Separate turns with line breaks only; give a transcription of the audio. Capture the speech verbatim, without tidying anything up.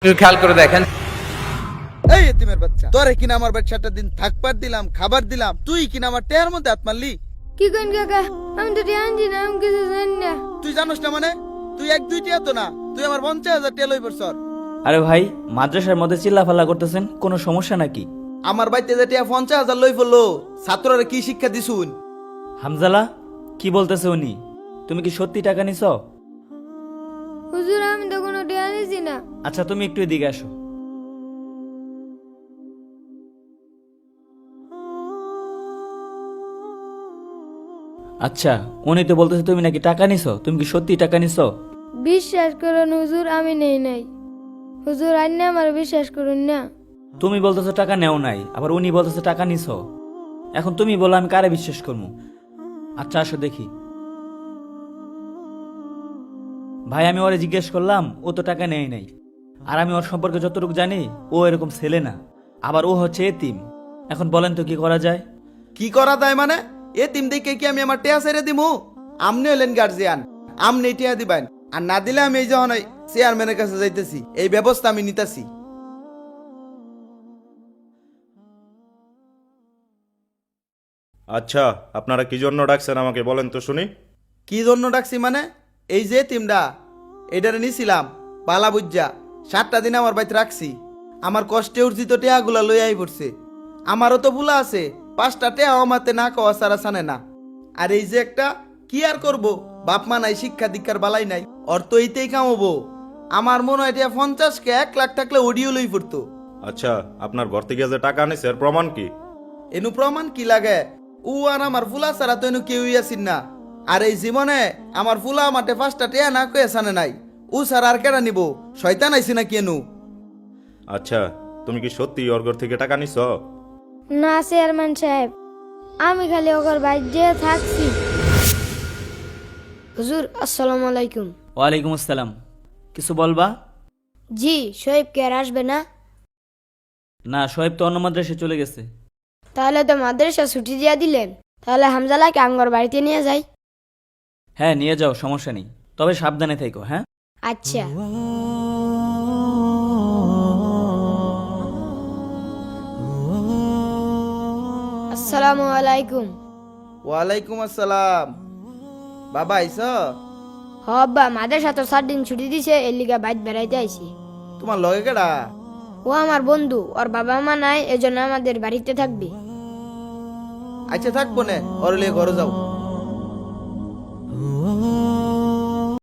একটু খেয়াল করে দেখেন।
এই এতিমের বাচ্চা, তোরে কিনা আমার বাচ্চাটা দিন থাকবার দিলাম, খাবার দিলাম, তুই কিনা আমার টেয়ার মধ্যে হাত মারলি।
কি করেন কাকা? আমি তো জানি না, আমি কিছু জানি না।
তুই জানোস না মানে? তুই এক দুই টিয়া তো না, তুই আমার পঞ্চাশ হাজার টিয়া লই পড়ছর।
আরে ভাই, মাদ্রাসার মধ্যে চিল্লাফাল্লা করতেছেন, কোনো সমস্যা নাকি?
আমার বাড়িতে যে টিয়া পঞ্চাশ হাজার লই পড়লো, ছাত্ররা কি শিক্ষা দিছুন?
হামজালা, কি বলতেছে উনি? তুমি কি সত্যি টাকা নিছ?
হুজুর, আমি তো কোনো টিয়া নিছি না।
আচ্ছা, তুমি একটু এদিকে আসো। আচ্ছা, উনি তো বলতেছে তুমি নাকি টাকা নিছো। তুমি কি সত্যি টাকা নিছো?
বিশ্বাস করুন হুজুর, আমি নেই নাই। হুজুর, আন্না আমার বিশ্বাস করুন না।
তুমি বলতেছো টাকা নেও নাই, আবার উনি বলতেছে টাকা নিছো। এখন তুমি বলো, আমি কারে বিশ্বাস করবো? আচ্ছা আসো দেখি। ভাই, আমি ওরে জিজ্ঞেস করলাম, ও তো টাকা নেয় নাই। আর আমি ওর সম্পর্কে যতটুকু জানি, ও এরকম ছেলে না। আবার ও হচ্ছে এতিম। এখন বলেন তো কি করা যায়?
কি করা যায় মানে? এতিম দেখে কি আমি আমার টিয়া ছেড়ে দিমু? আমনি হলেন গার্জিয়ান, আমনি টিয়া দিবেন। আর না দিলে আমি এই যখন ওই চেয়ারম্যানের কাছে যাইতেছি, এই ব্যবস্থা আমি নিতেছি।
আচ্ছা, আপনারা কি জন্য ডাকছেন আমাকে বলেন তো শুনি।
কি জন্য ডাকছি মানে? এই যে এতিমটা, এটারে নিছিলাম পালা বুজ্জা, সাতটা দিন আমার বাড়িতে রাখছি। আমার কষ্টে অর্জিত টেয়াগুলা লই আই পড়ছে। আমারও তো ভুলা আছে, পাঁচটা টেয়া আমাতে না কওয়া সারা সানে না। আর এই যে একটা, কি আর করব, বাপ মা নাই, শিক্ষা দীক্ষার বালাই নাই, অর তো এইতেই কামাবো। আমার মনে হয় টিয়া পঞ্চাশকে এক লাখ থাকলে অডিও লই পড়তো।
আচ্ছা, আপনার ঘর থেকে যে টাকা আনিছে এর প্রমাণ কি?
এনু প্রমাণ কি লাগে? ও আর আমার ফুলা ছাড়া তো এনু কেউই আসিন না। আর এই জীবনে আমার ফুলা মাঠে পাঁচটা টেয়া না কয়ে সানে নাই। ও ছাড়া আর কেডা নিব? শয়তান আইসি না কেনু?
আচ্ছা, তুমি কি সত্যি ওর ঘর থেকে টাকা নিছ?
না চেয়ারম্যান সাহেব, আমি খালি ওর বাইরে থাকছি। হুজুর, আসসালামু আলাইকুম।
ওয়ালাইকুম আসসালাম। কিছু বলবা?
জি, শোয়েব কে আর আসবে না?
না, শোয়েব তো অন্য মাদ্রাসায় চলে গেছে।
তাহলে তো মাদ্রাসা ছুটি দিয়ে দিলেন। তাহলে হামজালাকে আমগর বাড়িতে নিয়ে যাই।
হ্যাঁ, নিয়ে যাও, সমস্যা নেই। তবে সাবধানে থেকো, হ্যাঁ?
আচ্ছা। আসসালামু আলাইকুম।
ওয়ালাইকুম আসসালাম। বাবা আইস?
হব্বা, মাদ্রাসা তো সাত দিন ছুটি দিছে, এর লিগা বাইর বেড়াইতে আইছি।
তোমার লগে কেডা?
ও আমার বন্ধু, ওর বাবা মা নাই, এজন্য আমাদের বাড়িতে থাকবে।
আচ্ছা থাকবো নে, ওর লিয়ে ঘরে যাও।